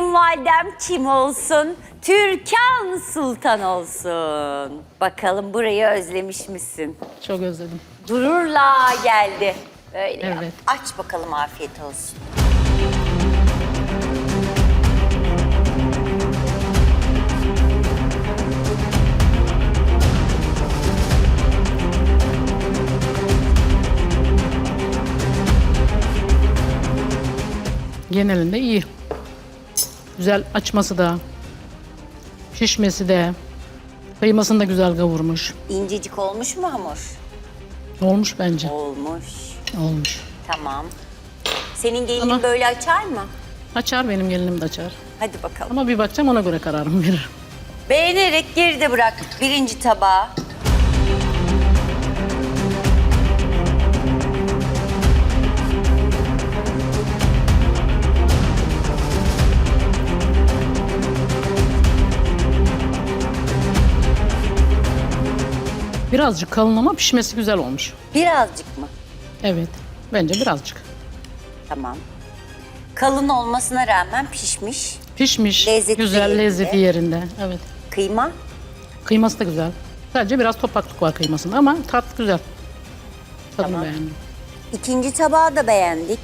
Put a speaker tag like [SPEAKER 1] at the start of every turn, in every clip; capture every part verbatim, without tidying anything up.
[SPEAKER 1] kayınvalidem kim olsun? Türkan Sultan olsun. Bakalım burayı özlemiş misin?
[SPEAKER 2] Çok özledim.
[SPEAKER 1] Gururla geldi. Öyle yap.
[SPEAKER 2] Evet.
[SPEAKER 1] Aç bakalım, afiyet olsun.
[SPEAKER 2] Genelinde iyi. Güzel açması da, pişmesi de, kıymasını da güzel kavurmuş.
[SPEAKER 1] İncecik olmuş mu hamur?
[SPEAKER 2] Olmuş bence.
[SPEAKER 1] Olmuş.
[SPEAKER 2] Olmuş.
[SPEAKER 1] Tamam. Senin gelinin
[SPEAKER 2] Ama-
[SPEAKER 1] böyle açar mı?
[SPEAKER 2] Açar, benim gelinim de açar.
[SPEAKER 1] Hadi bakalım.
[SPEAKER 2] Ama bir bakacağım, ona göre kararımı veririm.
[SPEAKER 1] Beğenerek geride bırak birinci tabağı.
[SPEAKER 2] Birazcık kalın ama pişmesi güzel olmuş.
[SPEAKER 1] Birazcık mı?
[SPEAKER 2] Evet, bence birazcık.
[SPEAKER 1] Tamam. Kalın olmasına rağmen pişmiş.
[SPEAKER 2] Pişmiş,
[SPEAKER 1] Lezzeti de
[SPEAKER 2] güzel,
[SPEAKER 1] yerinde.
[SPEAKER 2] lezzeti yerinde. Evet.
[SPEAKER 1] Kıyma.
[SPEAKER 2] Kıyması da güzel. Sadece biraz topaklık var kıymasında ama tat güzel. Tadını
[SPEAKER 1] Tamam.
[SPEAKER 2] beğendim.
[SPEAKER 1] İkinci tabağı da beğendik.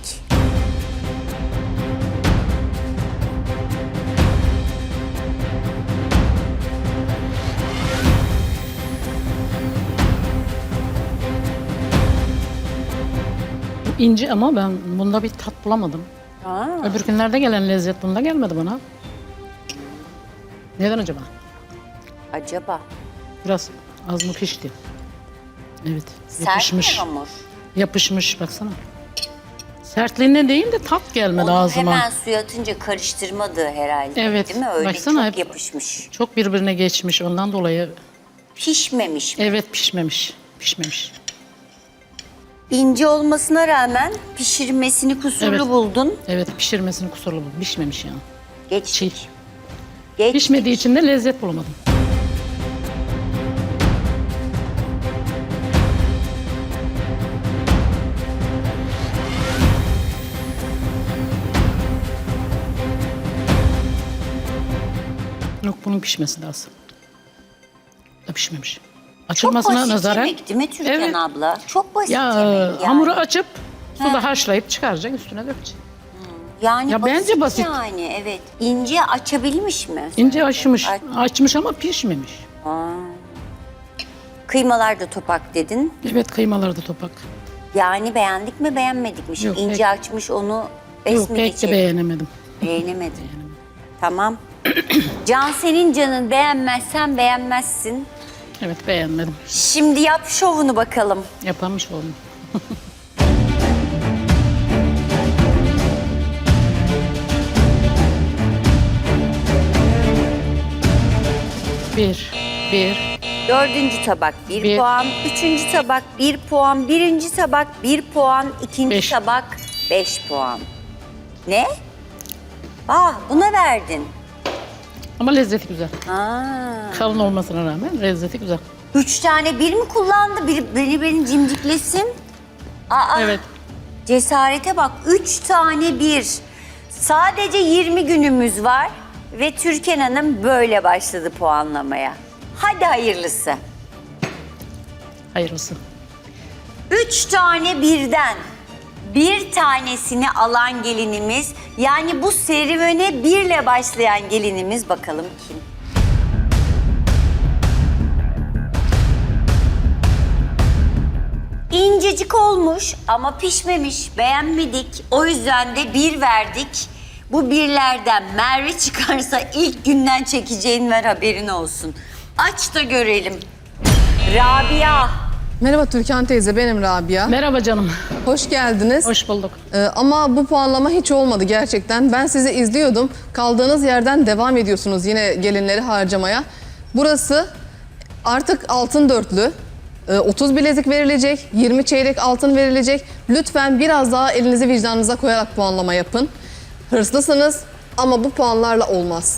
[SPEAKER 2] Bu ince ama ben bunda bir tat bulamadım.
[SPEAKER 1] Aa,
[SPEAKER 2] Öbür günlerde gelen lezzet bunda gelmedi bana. Neden acaba?
[SPEAKER 1] acaba
[SPEAKER 2] Biraz az mı pişti? Evet,
[SPEAKER 1] sert mi
[SPEAKER 2] yapışmış.
[SPEAKER 1] hamur?
[SPEAKER 2] Yapışmış, baksana. Sertliğine değil de tat gelmedi
[SPEAKER 1] Onu
[SPEAKER 2] ağzıma.
[SPEAKER 1] hemen suya atınca karıştırmadı herhalde.
[SPEAKER 2] Evet,
[SPEAKER 1] Değil mi? Öyle
[SPEAKER 2] baksana
[SPEAKER 1] çok
[SPEAKER 2] hep-
[SPEAKER 1] yapışmış.
[SPEAKER 2] Çok birbirine geçmiş, ondan dolayı
[SPEAKER 1] Pişmemiş mi?
[SPEAKER 2] evet pişmemiş. Pişmemiş.
[SPEAKER 1] İnce olmasına rağmen pişirmesini kusurlu
[SPEAKER 2] Evet.
[SPEAKER 1] buldun.
[SPEAKER 2] Evet, pişirmesini kusurlu buldum. Pişmemiş yani.
[SPEAKER 1] Geç.
[SPEAKER 2] Çiğ.
[SPEAKER 1] Geç.
[SPEAKER 2] Pişmediği için de lezzet bulamadım. Yok, bunun pişmesi lazım. Da pişmemiş.
[SPEAKER 1] Çok
[SPEAKER 2] Açılmasına
[SPEAKER 1] basit
[SPEAKER 2] nazaran.
[SPEAKER 1] yemek değil mi Türkan
[SPEAKER 2] Evet.
[SPEAKER 1] abla? Çok basit
[SPEAKER 2] Ya
[SPEAKER 1] yemek yani.
[SPEAKER 2] hamuru açıp suda
[SPEAKER 1] Ha.
[SPEAKER 2] haşlayıp çıkaracak, üstüne dökecek.
[SPEAKER 1] Yani
[SPEAKER 2] Ya
[SPEAKER 1] basit
[SPEAKER 2] bence basit.
[SPEAKER 1] yani, evet. İnce açabilmiş mi?
[SPEAKER 2] İnce açmış.
[SPEAKER 1] Aç-
[SPEAKER 2] Açmış ama pişmemiş.
[SPEAKER 1] Aa. Kıymalar da topak dedin.
[SPEAKER 2] Evet, kıymaları da topak.
[SPEAKER 1] Yani beğendik mi beğenmedik mi? Şimdi
[SPEAKER 2] Yok,
[SPEAKER 1] ince
[SPEAKER 2] pek-
[SPEAKER 1] açmış onu es
[SPEAKER 2] Yok,
[SPEAKER 1] mi
[SPEAKER 2] pek de
[SPEAKER 1] geçelim?
[SPEAKER 2] beğenemedim.
[SPEAKER 1] Beğenemedim. Tamam. Can senin canın, beğenmezsen beğenmezsin.
[SPEAKER 2] Evet, beğenmedim.
[SPEAKER 1] Şimdi yap şovunu bakalım.
[SPEAKER 2] Yapamış oldum. bir, bir,
[SPEAKER 1] Dördüncü tabak bir,
[SPEAKER 2] Bir.
[SPEAKER 1] puan, üçüncü tabak bir puan, birinci tabak bir puan, ikinci
[SPEAKER 2] Beş.
[SPEAKER 1] tabak beş puan. Ne? Ah, buna verdin.
[SPEAKER 2] ama lezzeti güzel.
[SPEAKER 1] Aa.
[SPEAKER 2] Kalın olmasına rağmen lezzeti güzel.
[SPEAKER 1] Üç tane bir mi kullandı? Bir, beni beni cimciklesin. Aa,
[SPEAKER 2] Evet.
[SPEAKER 1] cesarete bak. Üç tane bir. Sadece yirmi günümüz var ve Türkan Hanım böyle başladı puanlamaya. Hadi hayırlısı.
[SPEAKER 2] Hayırlısı.
[SPEAKER 1] Üç tane birden bir tanesini alan gelinimiz, yani bu serüvene birle başlayan gelinimiz, bakalım kim? İncecik olmuş ama pişmemiş, beğenmedik. O yüzden de bir verdik. Bu birlerden Merve çıkarsa ilk günden çekeceğin ver, haberin olsun. Aç da görelim. Rabia.
[SPEAKER 3] Merhaba Türkan teyze, benim Rabia.
[SPEAKER 2] Merhaba canım.
[SPEAKER 3] Hoş geldiniz.
[SPEAKER 2] Hoş bulduk.
[SPEAKER 3] Ee, ama bu puanlama hiç olmadı gerçekten. Ben sizi izliyordum. Kaldığınız yerden devam ediyorsunuz yine gelinleri harcamaya. Burası artık altın dörtlü. Ee, otuz bilezik verilecek, yirmi çeyrek altın verilecek. Lütfen biraz daha elinizi vicdanınıza koyarak puanlama yapın. Hırslısınız ama bu puanlarla olmaz.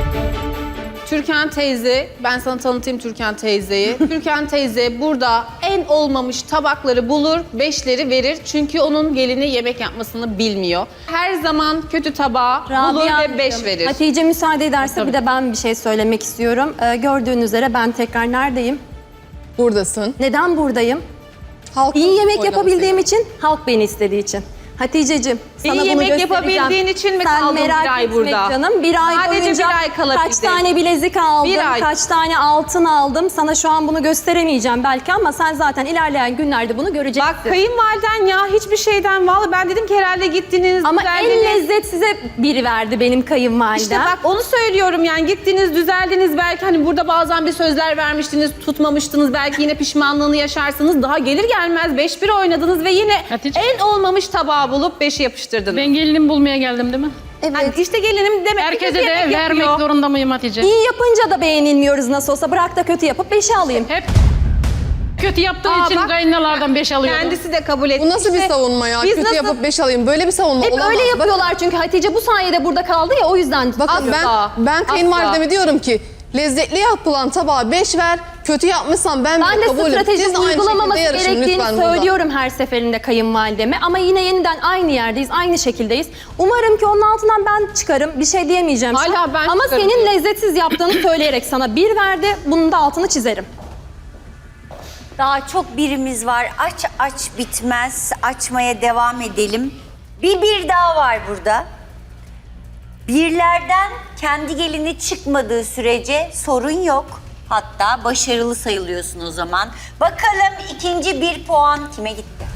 [SPEAKER 4] Türkan teyze, ben sana tanıtayım Türkan teyzeyi. Türkan teyze burada en olmamış tabakları bulur, beşleri verir. Çünkü onun gelini yemek yapmasını bilmiyor. Her zaman kötü tabağı bulur ve
[SPEAKER 5] Hanımcığım,
[SPEAKER 4] beş verir.
[SPEAKER 5] Hatice müsaade ederse
[SPEAKER 2] Tabii.
[SPEAKER 5] bir de ben bir şey söylemek istiyorum. Ee, gördüğünüz üzere ben tekrar neredeyim?
[SPEAKER 3] Buradasın.
[SPEAKER 5] Neden buradayım?
[SPEAKER 3] Halkın
[SPEAKER 5] İyi yemek
[SPEAKER 3] oylaması.
[SPEAKER 5] yapabildiğim için, halk beni istediği için. Hatice'cim sana
[SPEAKER 4] İyi
[SPEAKER 5] bunu
[SPEAKER 4] yemek
[SPEAKER 5] göstereceğim.
[SPEAKER 4] yapabildiğin için mi
[SPEAKER 5] Sen
[SPEAKER 4] kaldın
[SPEAKER 5] merak
[SPEAKER 4] bir ay
[SPEAKER 5] etme
[SPEAKER 4] burada?
[SPEAKER 5] canım. Bir ay
[SPEAKER 4] Sadece
[SPEAKER 5] boyunca
[SPEAKER 4] bir ay kalabildin.
[SPEAKER 5] kaç tane bilezik aldım,
[SPEAKER 4] Bir ay.
[SPEAKER 5] kaç tane altın aldım. Sana şu an bunu gösteremeyeceğim belki ama sen zaten ilerleyen günlerde bunu göreceksin.
[SPEAKER 4] Bak kayınvaliden ya hiçbir şeyden vallahi ben dedim ki herhalde gittiniz,
[SPEAKER 5] ama en
[SPEAKER 4] düzeldiniz.
[SPEAKER 5] lezzetsize biri verdi benim kayınvalidem.
[SPEAKER 4] İşte bak onu söylüyorum yani gittiniz, düzeldiniz belki hani burada bazen bir sözler vermiştiniz, tutmamıştınız. Belki yine pişmanlığını yaşarsınız. Daha gelir gelmez beş bir oynadınız ve yine
[SPEAKER 2] Hatice.
[SPEAKER 4] en olmamış tabağı bulup beşi yapıştırdınız.
[SPEAKER 2] Ben gelinimi bulmaya geldim değil mi?
[SPEAKER 5] Evet.
[SPEAKER 4] Hani işte gelinim demek ki
[SPEAKER 2] Herkese
[SPEAKER 4] kötü
[SPEAKER 2] de
[SPEAKER 4] yemek
[SPEAKER 2] vermek
[SPEAKER 4] yapıyor.
[SPEAKER 2] zorunda mıyım Hatice?
[SPEAKER 5] İyi yapınca da beğenilmiyoruz nasıl olsa. Bırak da kötü yapıp beşe alayım.
[SPEAKER 2] Hep kötü yaptığı
[SPEAKER 4] Aa,
[SPEAKER 2] için
[SPEAKER 4] bak.
[SPEAKER 2] kayınlalardan beş alıyordum.
[SPEAKER 4] Kendisi de kabul etti.
[SPEAKER 3] Bu nasıl bir
[SPEAKER 4] İşte
[SPEAKER 3] savunma ya?
[SPEAKER 4] biz
[SPEAKER 3] Kötü
[SPEAKER 4] nasıl-
[SPEAKER 3] yapıp beş alayım. Böyle bir savunma
[SPEAKER 5] Hep
[SPEAKER 3] olamaz.
[SPEAKER 5] öyle
[SPEAKER 3] Bakın-
[SPEAKER 5] yapıyorlar çünkü Hatice bu sayede burada kaldı ya o yüzden.
[SPEAKER 3] Bakın ben,
[SPEAKER 4] Asla,
[SPEAKER 3] ben
[SPEAKER 4] asla.
[SPEAKER 3] kayınvalideme diyorum ki lezzetli yapılan tabağa beş ver, kötü yapmışsan ben,
[SPEAKER 5] Ben
[SPEAKER 3] bile
[SPEAKER 5] de
[SPEAKER 3] kabulüm.
[SPEAKER 5] strateji
[SPEAKER 3] Siz de aynı
[SPEAKER 5] uygulamaması
[SPEAKER 3] şekilde yarışın
[SPEAKER 5] gerektiğini
[SPEAKER 3] lütfen burada.
[SPEAKER 5] söylüyorum her seferinde kayınvalideme. Ama yine yeniden aynı yerdeyiz, aynı şekildeyiz. Umarım ki onun altından ben çıkarım. Bir şey diyemeyeceğim şu
[SPEAKER 4] Hala
[SPEAKER 5] an.
[SPEAKER 4] ben
[SPEAKER 5] Ama
[SPEAKER 4] çıkarım
[SPEAKER 5] senin
[SPEAKER 4] diyor.
[SPEAKER 5] lezzetsiz yaptığını söyleyerek sana bir verdi. Bunun da altını çizerim.
[SPEAKER 1] Daha çok birimiz var. Aç aç bitmez. Açmaya devam edelim. Bir bir daha var burada. Birlerden kendi gelini çıkmadığı sürece sorun yok. Hatta başarılı sayılıyorsun o zaman. Bakalım ikinci bir puan kime gitti?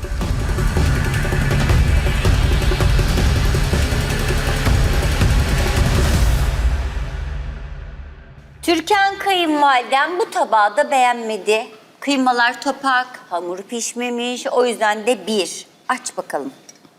[SPEAKER 1] Türkan kayınvaliden bu tabağı da beğenmedi. Kıymalar topak, hamur pişmemiş. O yüzden de bir. Aç bakalım.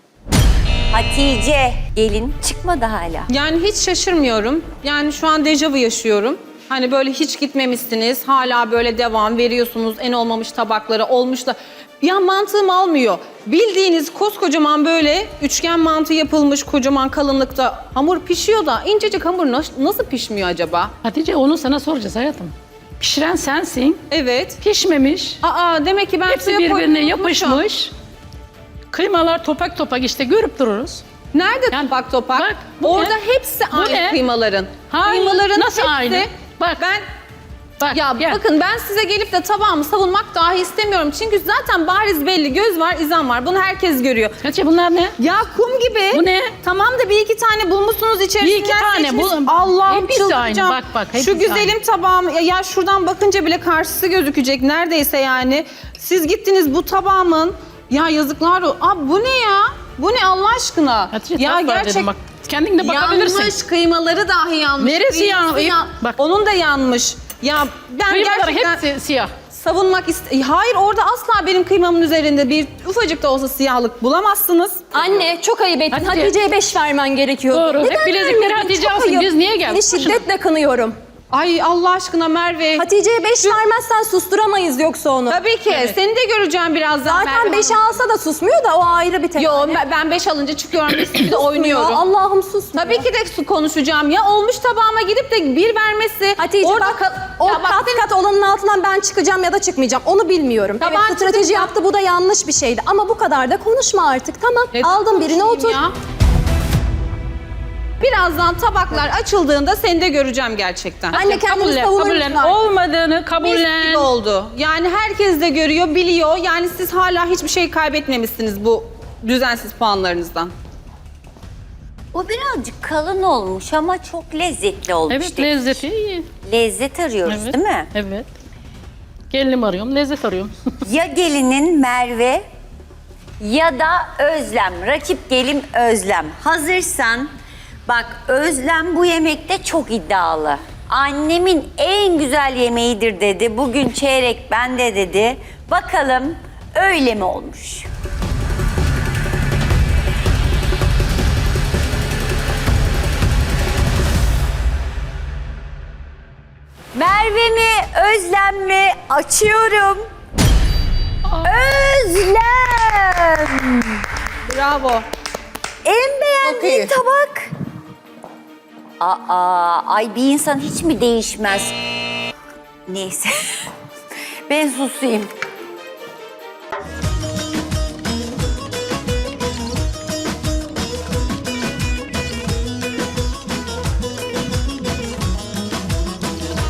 [SPEAKER 1] Hatice, gelin çıkmadı hala.
[SPEAKER 4] Yani hiç şaşırmıyorum. Yani şu an dejavu yaşıyorum. Hani böyle hiç gitmemişsiniz. Hala böyle devam veriyorsunuz. En olmamış tabakları olmuş da. Ya mantığım almıyor. Bildiğiniz koskocaman böyle üçgen mantı yapılmış kocaman kalınlıkta hamur pişiyor da incecik hamur nas- nasıl pişmiyor acaba?
[SPEAKER 2] Hatice onu sana soracağız hayatım. Pişiren sensin.
[SPEAKER 4] Evet.
[SPEAKER 2] Pişmemiş.
[SPEAKER 4] Aa demek ki ben
[SPEAKER 2] Hepsi
[SPEAKER 4] suya
[SPEAKER 2] birbirine
[SPEAKER 4] koymayı unutmuşum.
[SPEAKER 2] yapışmış. Kıymalar topak topak işte görüp dururuz.
[SPEAKER 4] Nerede
[SPEAKER 2] Yani
[SPEAKER 4] topak topak?
[SPEAKER 2] bak, bu
[SPEAKER 4] Orada
[SPEAKER 2] ne?
[SPEAKER 4] hepsi
[SPEAKER 2] Bu
[SPEAKER 4] aynı
[SPEAKER 2] ne?
[SPEAKER 4] kıymaların.
[SPEAKER 2] Hayır,
[SPEAKER 4] Kıymaların
[SPEAKER 2] nasıl
[SPEAKER 4] hepsi,
[SPEAKER 2] aynı? Bak.
[SPEAKER 4] Ben
[SPEAKER 2] Bak,
[SPEAKER 4] ya
[SPEAKER 2] gel.
[SPEAKER 4] bakın ben size gelip de tabağımı savunmak dahi istemiyorum. Çünkü zaten bariz belli göz var, izan var. Bunu herkes görüyor.
[SPEAKER 2] Hatice bunlar ne?
[SPEAKER 4] Ya kum gibi.
[SPEAKER 2] Bu ne?
[SPEAKER 4] Tamam da bir iki tane bulmuşsunuz içerisinden
[SPEAKER 2] Bir iki tane
[SPEAKER 4] seçmişsiniz.
[SPEAKER 2] bul-
[SPEAKER 4] Allah'ım
[SPEAKER 2] hepsi
[SPEAKER 4] çıldıracağım.
[SPEAKER 2] aynı. Bak, bak, hepsi
[SPEAKER 4] Şu güzelim tabağım ya, ya şuradan bakınca bile karşısı gözükecek neredeyse yani. Siz gittiniz bu tabağımın ya yazıklar o. Aa bu ne ya? Bu ne Allah aşkına?
[SPEAKER 2] Hatice
[SPEAKER 4] ya
[SPEAKER 2] tat var dedim bak. Kendin de bakabilirsin.
[SPEAKER 4] Yanmış, kıymaları dahi yanmış.
[SPEAKER 2] Neresi
[SPEAKER 4] Kıyması
[SPEAKER 2] yan-
[SPEAKER 4] ya-
[SPEAKER 2] Bak.
[SPEAKER 4] Onun da yanmış. Ya ben
[SPEAKER 2] Kıymalar
[SPEAKER 4] gerçekten
[SPEAKER 2] hepsi siyah.
[SPEAKER 4] savunmak ist- Hayır orada asla benim kıymamın üzerinde bir ufacık da olsa siyahlık bulamazsınız.
[SPEAKER 5] Anne çok ayıp ettin.
[SPEAKER 2] Hatice.
[SPEAKER 5] Hatice'ye beş vermen gerekiyor.
[SPEAKER 2] Doğru. Hep bilezikleri
[SPEAKER 5] vermedin?
[SPEAKER 2] Hatice
[SPEAKER 5] Çok
[SPEAKER 2] alsın.
[SPEAKER 5] ayıp.
[SPEAKER 2] Biz niye geldik?
[SPEAKER 5] Seni
[SPEAKER 2] Boşuna.
[SPEAKER 5] şiddetle kınıyorum.
[SPEAKER 4] Ay Allah aşkına Merve.
[SPEAKER 5] Hatice'ye beş vermezsen susturamayız yoksa onu.
[SPEAKER 4] Tabii ki. Seni de göreceğim birazdan
[SPEAKER 5] Zaten
[SPEAKER 4] Merve
[SPEAKER 5] beşe
[SPEAKER 4] Hanım.
[SPEAKER 5] alsa da susmuyor da o ayrı bir tek.
[SPEAKER 4] Yo ben- ben beş alınca çıkıyorum bir de oynuyorum.
[SPEAKER 5] Allah'ım susmuyor.
[SPEAKER 4] Tabii ki de su konuşacağım. Ya olmuş tabağıma gidip de bir vermesi.
[SPEAKER 5] Hatice
[SPEAKER 4] orada
[SPEAKER 5] bak
[SPEAKER 4] kal-
[SPEAKER 5] o
[SPEAKER 4] Ya bak
[SPEAKER 5] kat
[SPEAKER 4] senin-
[SPEAKER 5] kat olanın altından ben çıkacağım ya da çıkmayacağım onu bilmiyorum.
[SPEAKER 4] Tamam,
[SPEAKER 5] Evet strateji
[SPEAKER 4] çıkacağım.
[SPEAKER 5] yaptı bu da yanlış bir şeydi ama bu kadar da konuşma artık tamam.
[SPEAKER 4] Neden
[SPEAKER 5] Aldın birini
[SPEAKER 4] konuşayım
[SPEAKER 5] otur.
[SPEAKER 4] ya? Birazdan tabaklar açıldığında seni de göreceğim gerçekten.
[SPEAKER 5] Anne kendini
[SPEAKER 2] Kabullen,
[SPEAKER 5] savunur
[SPEAKER 2] kabullen.
[SPEAKER 5] musun?
[SPEAKER 2] Olmadığını
[SPEAKER 4] Mis
[SPEAKER 2] kabullen.
[SPEAKER 4] gibi oldu. Yani herkes de görüyor, biliyor. Yani siz hala hiçbir şey kaybetmemişsiniz bu düzensiz puanlarınızdan.
[SPEAKER 1] O birazcık kalın olmuş ama çok lezzetli olmuş.
[SPEAKER 2] Evet
[SPEAKER 1] dedik.
[SPEAKER 2] lezzeti iyi.
[SPEAKER 1] Lezzet arıyoruz
[SPEAKER 2] Evet.
[SPEAKER 1] değil mi?
[SPEAKER 2] Evet. Gelinim arıyorum, lezzet arıyorum.
[SPEAKER 1] Ya gelinin Merve ya da Özlem. Rakip gelin Özlem. Hazırsan bak Özlem bu yemekte çok iddialı. Annemin en güzel yemeğidir dedi. Bugün çeyrek bende dedi. Bakalım öyle mi olmuş? Merve mi, Özlem mi? Açıyorum. Özlem!
[SPEAKER 4] Bravo.
[SPEAKER 1] En beğendiğin
[SPEAKER 3] iyi.
[SPEAKER 1] tabak. Aa, ay bir insan hiç mi değişmez? Neyse. Ben susayım.